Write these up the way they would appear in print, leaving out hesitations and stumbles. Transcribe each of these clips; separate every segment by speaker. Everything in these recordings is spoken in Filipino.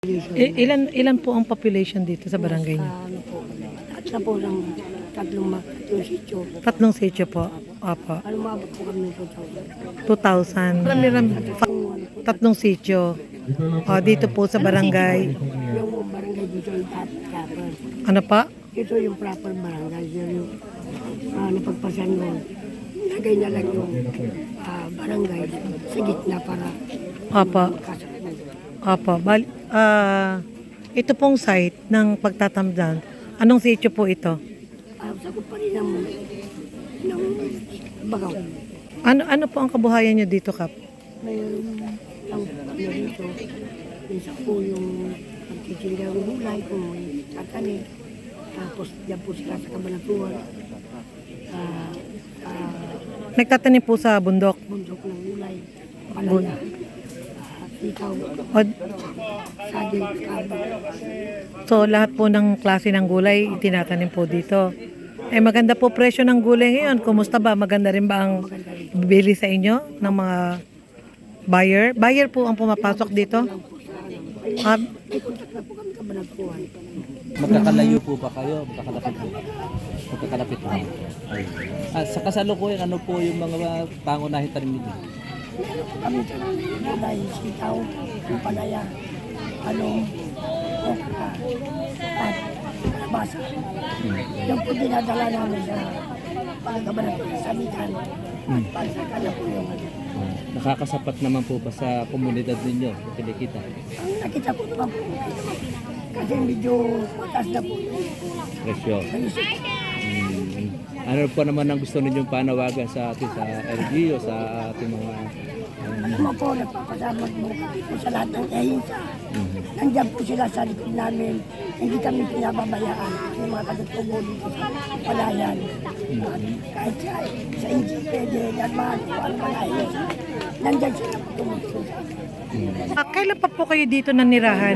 Speaker 1: Ilan po ang population dito sa barangay niyo?
Speaker 2: Ano po, at na po ng tatlong sityo.
Speaker 1: Tatlong sitio po. Opo.
Speaker 2: Ano maabot po kami ng 2,000.
Speaker 1: 2,000. Tatlong sitio. Dito po sa barangay.
Speaker 2: Yung barangay dito yung proper.
Speaker 1: Ano pa?
Speaker 2: Ito yung proper barangay. Yung napagpasan mo. Lagay na lang yung barangay sa gitna para
Speaker 1: Opo.
Speaker 2: kasapin.
Speaker 1: Opo. Ito pong site ng pagtatamdan. Anong sitio po ito?
Speaker 2: Sagot pa rin ng bagaw.
Speaker 1: Ano po ang kabuhayan niyo dito, Kap?
Speaker 2: Mayroon ang kami dito. Minsan po yung pagkikinda ng gulay kung may tatanim. Tapos diyan po sila sa Kabanatuan.
Speaker 1: Nagtatanim po sa bundok.
Speaker 2: Bundok ng gulay. Palaya. Ikaw. Saging. Kabag.
Speaker 1: So lahat po ng klase ng gulay itinatanim po dito. Maganda po presyo ng gulay ngayon. Kumusta ba? Maganda rin ba ang bili sa inyo ng mga buyer? Buyer po ang pumapasok dito?
Speaker 2: May kontak na po kami Kabanatuan.
Speaker 3: Magkakalayo po ba kayo? Magkakalapit po. Sa kasalukuyan, ano po yung mga pangunahing tanim ninyo?
Speaker 2: Kami sa gulay, sitaw, palaya, along, okra, at kalabasa. Yung po dinadala namin sa Kabanatuan sa Mikan. At pagsaka na po yung
Speaker 3: Nakakasapat naman po ba sa komunidad ninyo? Kinikita?
Speaker 2: Ang nakita po naman po, kasi medyo mataas na po yung
Speaker 3: Presyo.
Speaker 2: presyo.
Speaker 3: Ano po naman ang gusto ninyong panawagan sa atin, sa LGU, sa ating mga...
Speaker 2: Alam mo po, nagpapasalamat mo po sa lahat ng ehinsa. Nandiyan po sila sa likod namin. Hindi kami pinababayaan. Yung mga katutubo dito sa palayan. Kahit sa NGPD, naman, kung ano mga ehinsa. Nandiyan sila po tumutulong sa akin.
Speaker 1: Kailan pa po kayo dito nanirahan?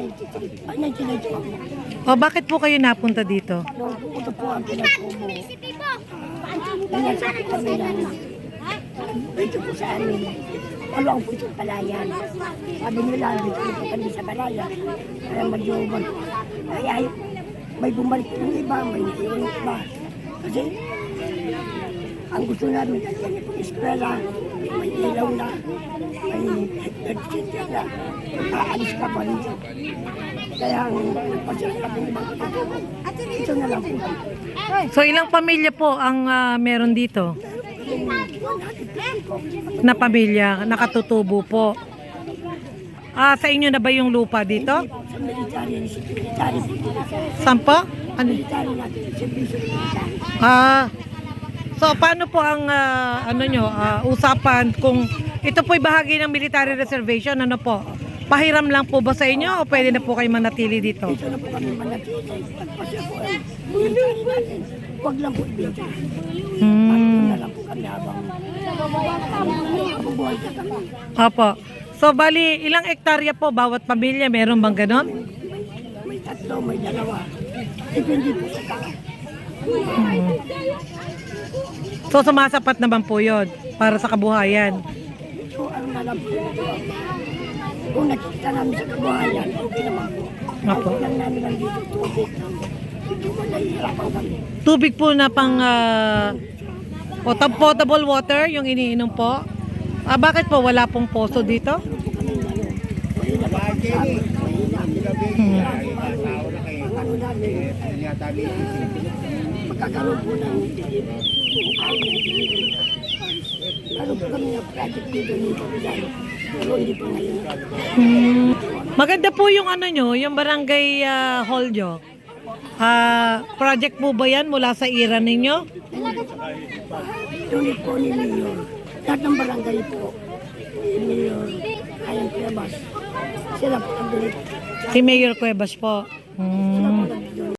Speaker 2: 1993.
Speaker 1: Bakit po kayo napunta dito?
Speaker 2: Nung pumunta po ang pinatubo, nangyasakit kami ng dito po sa amin. Walang po itong palayan. Sabi nila, dito po kami sa palayan. Kaya mag-iwan. Kaya may bumalik yung iba, may naiwan yung iba. Kasi ang gusto namin, yan yung eskwela, may ilaw na, may nag-center na, aalis ka pa rin. Kaya ang nagpasya kami ng mga katulong, ito na lang po.
Speaker 1: So ilang pamilya po ang meron dito? Na pamilya, nakatutubo po. Sa inyo na ba yung lupa dito?
Speaker 2: Sa military po.
Speaker 1: Saan po? Ano?
Speaker 2: Military natin, servisyo military.
Speaker 1: So paano po ang usapan kung ito po'y bahagi ng military reservation, ano po? Pahiram lang po ba sa inyo o pwede na po kayo manatili dito?
Speaker 2: Dito na po kami manatili. Pagpasya po ay military natin. Huwag lang po ibenta. Na lang po kami habang buhay ka kami.
Speaker 1: Opo. So bali, ilang hektarya po bawat pamilya? Meron bang ganon?
Speaker 2: May tatlo, may dalawa. Depende po sa tao.
Speaker 1: So sumasapat naman po yun para sa kabuhayan.
Speaker 2: So ano na lang po. Kung nakikita namin sa kabuhayan, okay naman po.
Speaker 1: Opo.
Speaker 2: Okay lang namin lang dito tubig. Dito man nahihirapan kami.
Speaker 1: Tubig po na pang potable water yung iniinom po. Bakit po wala pong poso dito?
Speaker 2: Ano namin, magkakaroon po ng ano po kami ng project dito pero hindi po ngayon.
Speaker 1: Maganda po yung yung barangay hall nyo. Project po ba yan mula sa ira ninyo?
Speaker 2: Unit po ni Mayor. Lahat ng barangay po. Ni Mayor Ayang Cuevas. Sila po ang unit.
Speaker 1: Si Mayor Cuevas po.
Speaker 2: Sila